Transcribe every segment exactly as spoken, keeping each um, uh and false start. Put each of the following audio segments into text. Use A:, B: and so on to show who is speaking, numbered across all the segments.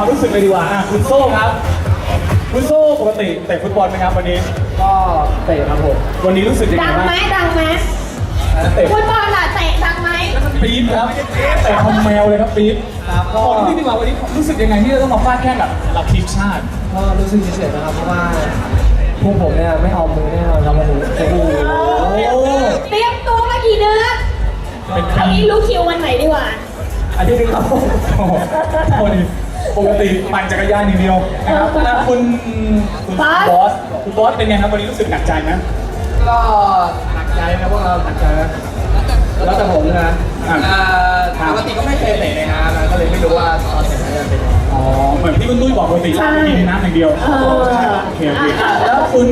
A: รู้สึกเลยดีกว่าอ่ะคุณโซ่ครับคุณโซ่ปกติเตะฟุตบอลไหมครับวันนี้
B: ก็เตะครับผม
A: วันนี้รู้สึกยังไง
C: ดัง
A: บ้าง
C: ไหมดังไหม
A: เตะ
C: ฟุตบอลล่ะเตะดังไหม
A: ปี๊บครับเตะคอมแมวเลยครับปี๊บครับก็ที่ดีกว่าวันนี้รู้สึกยังไงที่จะต้องมาฟาดแข่งกับหลักทีมชาติ
B: ก็รู้สึกเฉยๆนะครับเพราะว่าพวกผมเนี่ยไม่เอามือแน่นอนครับวันนี้โอ้โห
C: เตรียมตัวมากี่เดือนอันนี้รู้คิววันไหนดีกว่า
B: อันที่หนึ่งครับผม
A: โอ้โหปกติปั่นจักรยานอย่างเดียวนะครับนะคุณคุณบอสคุณบอสเป็นไงครับวันนี้รู้สึกหนักใจไหม
B: ก็หนักใจนะพวกเราหนักใจนะแล้วแต่ผมนะปกติก็ไม่เคยเตะในน้ำนะก็เลยไม่รู้ว่าตอนเตะจะเป็นยังไง
A: อ๋อเหมือนที่คุณตุ้ยบอกปกติเรากินในน้ำอย่างเดียวโอเคโอเคแล้วคุณ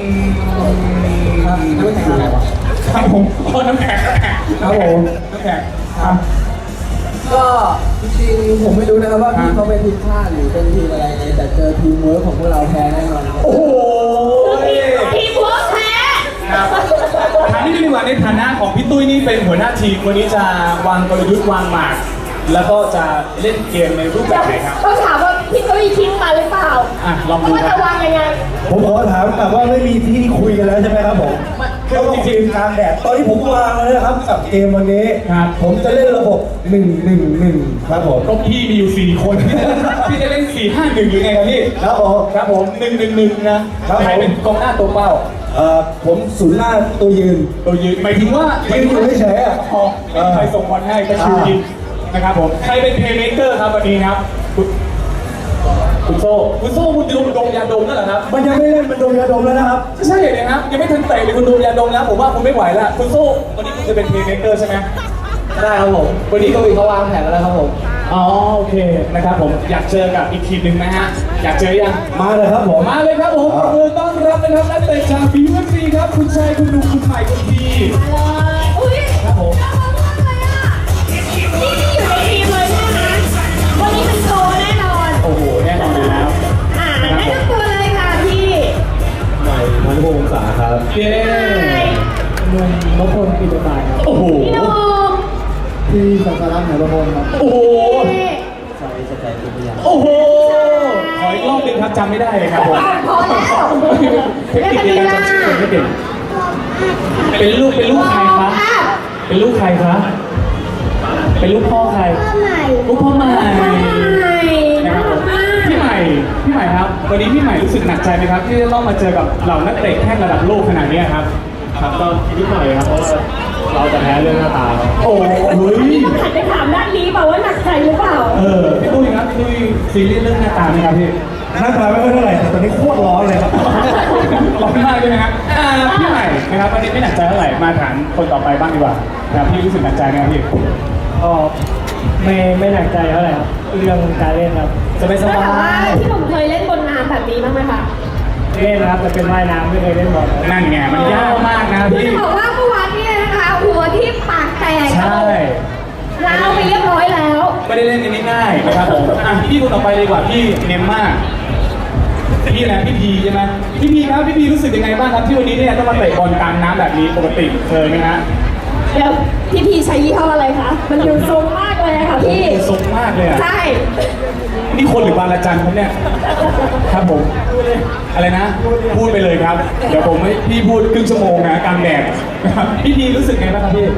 A: น้ำแข็งอะไรวะครับผมโอ้น้ำแข็งครับผมน้ำแข็งครับ
B: ก็จริงๆผมไม่รู้นะครับว่าพี่เขาเป็นทีมชาติหรือเป็นทีมอะไรแต่เจอทีมเวิร์คของพวกเราแพ้แน่นอน
A: โอ้โห
C: ทีมเวิร์คแพ้
A: ครับถามนิดนึงดีกว่าในฐานะของพี่ตุ้ยนี่เป็นหัวหน้าทีมวันนี้จะวางกลยุทธ์วางหมากแล้วก็จะเล่นเกมในรูปแบบไหนครับ
C: ต้องถามว่าพี่ตุ้ยคิดมาหรือเปล่า
A: อ่ะลองดู
C: ว่าจะวางยังไง
D: ผมขอถามแต่ว่าไม่มีที่ที่คุยกันแล้วใช่ไหมครับผมก็ต้องจริงกลางแดดตอนที่ผมวางเลยนะครับกับเกมวันนี้ผมจะเล่นระบบหนึ่งหนึ่งหนึ่งครับผม
A: ก็พี่มีอยู่สี่คนพี่จะเล่นสี่ห้าหนึ่งหรือไงครับพี่
D: ครับผม
A: ครับผมหนึ่งหนึ่งหนึ่งนะครับใครเป็นกองหน้าตัวเป้า
D: เอ่อผมศูนย์หน้าตัวยืน
A: ตัวยืนหมายถึงว่า
D: ยืนอยู่เฉยๆอ่ะ
A: พอใครส่งบอลให้ก็ชิวยิงนะครับผมใครเป็นเพลย์เมคเกอร์ครับวันนี้ครับคุณโซ่คุณโซ่คุณดมดมยาดมนั่นแหละครับ
D: มันยังไม่เล่นมันดมยาดมแล้วนะครับ
A: ใช่เลยครับยังไม่ทันเตะเลยคุณดมยาดมแล้วผมว่าคุณไม่ไหวแล้วคุณโซ่วันนี้คุณจะเป็นเพลย์เมคเกอร์ใช่ไหม
B: ได้ครับผมวันนี้ก็มีเขาวางแผนแล้วครับผม
A: อ๋อโอเคนะครับผมอยากเจอกับอีกทีมหนึ่งนะฮะอยากเจอยัง
D: มาเลยครับผม
A: มาเลยครับผมขอบคุณต้อนรับนะครับนักเตะจากบีเอฟซีครับคุณชัยคุณดูคุณใหม่คุณพี
C: อุ้ย
A: ครับผม
C: นี่อยู่ในทีมเลยใช่ไหมวันนี้เป็นโตแน่นอน
A: โอ้โหแน่นอนอยู่แล้ว
C: อ่าแนะนำตัวเลยค่ะพี่
D: ใหม่พันธุ์วงศาครับ
A: เย้
B: หนุ่มนพพลปิตุตายครับ
A: โอ้โห
C: พี่นุ่ม
B: พี่สังสารัตน์ไหประพลครับ
A: โอ้โห
B: ใจจะใจตุยา
A: โอ้โหขออีกรอบหนึ่งครับจำไม่ได้เลยครับผม
C: พอแล้ว
A: เทคนิคในการจำชื่อไม่เก่งเป็นลูกเป็นลูกใครคะเป็นลูกใครคะเป็นลูกพ่อใครลูกพ่อใหม่นะครับผมพี่ใหม่พี่ใหม่ครับวันนี้พี่ใหม่รู้สึกหนักใจไหมครับที่จะต้องมาเจอกับเหล่านักเตะแข่งระดับโลกขนาดนี้ครับ
B: ครับก็นิดหน่อยครับเพราะว่าเราจะแพ้เรื่องหน้าตาครับ
A: โอ้ย
C: ต้องหันไปถามด้านนี้เปล่าว่าหนักใจหรือเปล่า
A: เออพี่ตุ้ยครับพี่ตุ้ยซีรีส์เรื่องหน้าตาไหมครับพี่
D: หน้าตาไม่ค่อยเท่าไหร่แต่ตอนนี้โคตรร้อนเลยครับ
A: ร้อนมากใช่ไหมครับพี่ใหม่นะครับวันนี้ไม่หนักใจเท่าไหร่มาถามคนต่อไปบ้างดีกว่านะครับพี่รู้สึกหนักใจไหมครับพี่
B: ก็ไม่ไม่หนักใจเท่าไหร่ครับเรื่องการเล่นครับจะไม่สบาย
C: พี่หนุ่มเคยเล่นบนน้ำแบบนี้บ้างไหมคะ
B: เล่นนะครับแต่เป็นว่ายน้ำไม่เคยเล่นบอล
A: นั่นไงมันยากมากนะพี่
C: จะบอกว่าเมื่อวานนี้นะคะหัวที่ปากแตก
A: ใช่
C: ล้าวไปเรียบร้อยแล้ว
A: ไม่ได้เล่นกันง่ายๆนะครับผมอ่ะพี่คนต่อไปเลยดีกว่าพี่เนมมากพี่นะพี่พีใช่ไหมพี่พีครับพี่พีรู้สึกยังไงบ้างครับที่วันนี้เนี่ยต้องมาเตะบอลกลางน้ำแบบนี้ปกติเคยไหมฮะ
C: เดี๋ยวพี่พีใช้ยี่ห้ออะไรคะมันดูทรงมากเลยค่ะพี่
A: ทรงมากเลยอ่ะ
C: ใช่
A: นี่คนหรือบาลาจันครับเนี่ยครับผมอะไรนะพูดไปเลยครับเดี๋ยวผมให้พี่พูดครึ่งชั่วโมงนะกลางแดดนะครับพี่พีรู้สึกไงบ้างครับพี่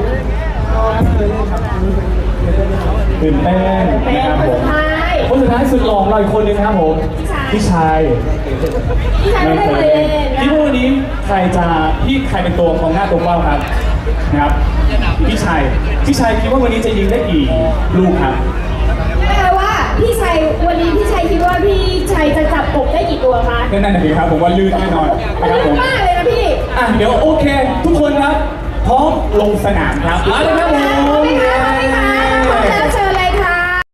A: ตื่นเต้นนะครับผมคนสุดท้ายสุดหล่อเราอีกคนนึงครับผมพี่ชาย
C: พี่ชายไม่เคยเล่น
A: พี่พูดนี้ใครจะพี่ใครเป็นตัวของหน้าตัวเป้าครับนะครับพี่ชายพี่ชายคิดว่าวันนี้จะยิงได้กี่ลูกครับ
C: แปลว่าพี่ชัยวันนี้พี่ชัยคิดว่าพี่ชัยจะจับกบได้กี่ตัวคะ
A: นั่นนั่นเองครับผมว่าลื่นแน่นอน
C: นะครับผมมากเลยนะพี่
A: อ่ะเดี๋ยวโอเคทุกคนครับพร้อมลงสนามครับมาเลยครับผม